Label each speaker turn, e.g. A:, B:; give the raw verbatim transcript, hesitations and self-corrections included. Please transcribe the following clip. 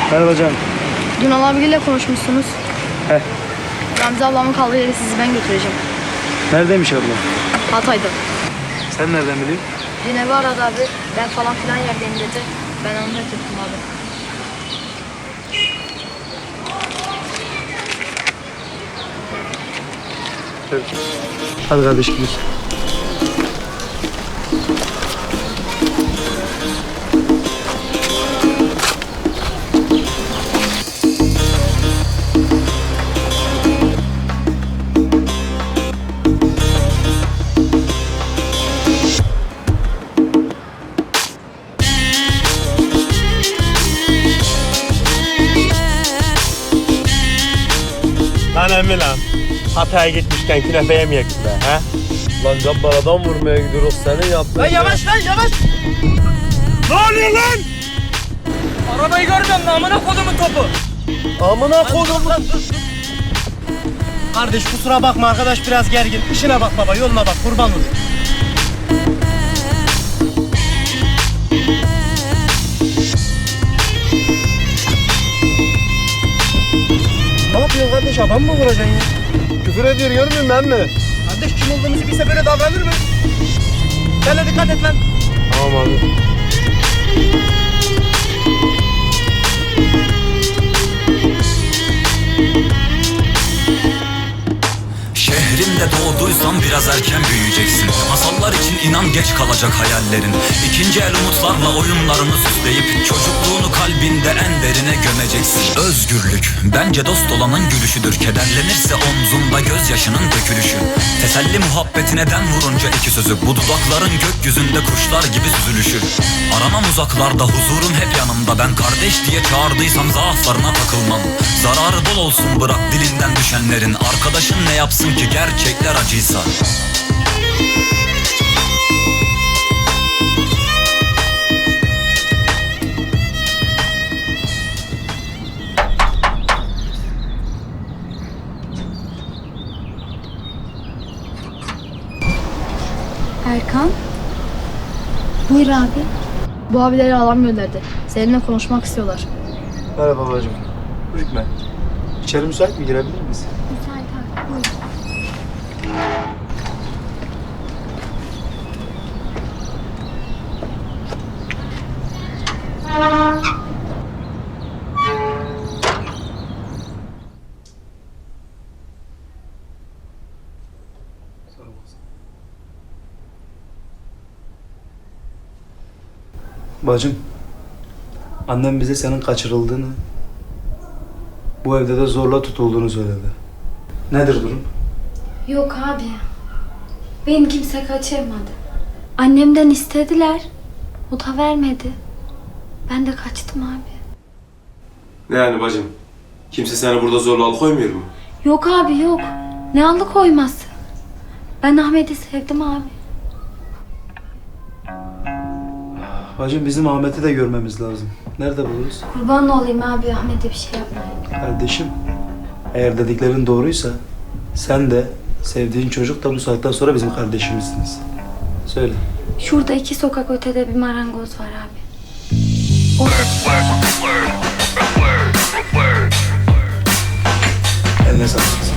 A: Merhaba canım.
B: Dün abiyle konuşmuşsunuz.
A: Heh.
B: Gamze ablamın kaldığı yere sizi ben götüreceğim.
A: Neredeymiş abla?
B: Hatay'da.
A: Sen nereden biliyorsun?
B: Dün evi aradı abi. Ben falan filan yerdeyim dedi. Ben onu götürdüm abi.
A: Hadi kardeş gidiyoruz.
C: Lan emmi lan. Hatay'a gitmişken künefe yemeyek be he?
D: Lan Cabbar adam vurmaya gidiyoruz senin yaptığın.
C: Lan yavaş lan yavaş. Ne oluyor lan?
E: Arabayı görmüyor musun? Amına kodumun topu.
D: Amına koydum lan.
C: Kardeş kusura bakma arkadaş biraz gergin. İşine bak baba yoluna bak kurban olayım. Ne yapıyorsun kardeş adam mı vuracaksın ya?
D: Küfür ediyor görmüyor musun emmi?
C: Kardeş kim olduğumuzu bilse böyle davranır mı? Sen de dikkat et lan.
D: Tamam abi.
F: Şehrimde doğduysan biraz erken büyüyeceksin. Masallar için inan geç kalacak hayallerin. İkinci el umutlarla oyunlarını süsleyip çocukluğunu kalbinde en derine gömeceksin. Özgürlük bence dost olanın gülüşüdür. Kederlenirse omzunda gözyaşının dökülüşü. Teselli muhabbeti neden vurunca iki sözü. Bu dudakların gökyüzünde kuşlar gibi süzülüşü. Aramam uzaklarda huzurun hep yanımda. Ben kardeş diye çağırdıysam zaaflarına takılmam. Zararı bol olsun bırak dilinden düşenlerin. Arkadaşın ne yapsın ki gerçekler acıysa.
B: Erkan. Buyur abi. Bu abileri alan gönderdi. Seninle konuşmak istiyorlar.
A: Merhaba babacığım. Ürkme. İçeri müsait mi? Girebilir miyiz?
B: Müsait abi. Buyur.
A: Bacım, annem bize senin kaçırıldığını, bu evde de zorla tutulduğunu söyledi. Nedir durum?
G: Yok abi. Beni kimse kaçırmadı. Annemden istediler. O da vermedi. Ben de kaçtım abi.
D: Ne yani bacım? Kimse seni burada zorla alıkoymuyor mu?
G: Yok abi yok. Ne alıkoyması? Ben Ahmet'i sevdim abi.
A: Bacım bizim Ahmet'i de görmemiz lazım. Nerede buluruz?
G: Kurban olayım abi Ahmet'e bir şey yapmayın.
A: Kardeşim, eğer dediklerin doğruysa sen de sevdiğin çocuk da bu saatten sonra bizim kardeşimizsiniz. Söyle.
G: Şurada iki sokak ötede bir marangoz var abi. Orada.
A: Eline sağlık.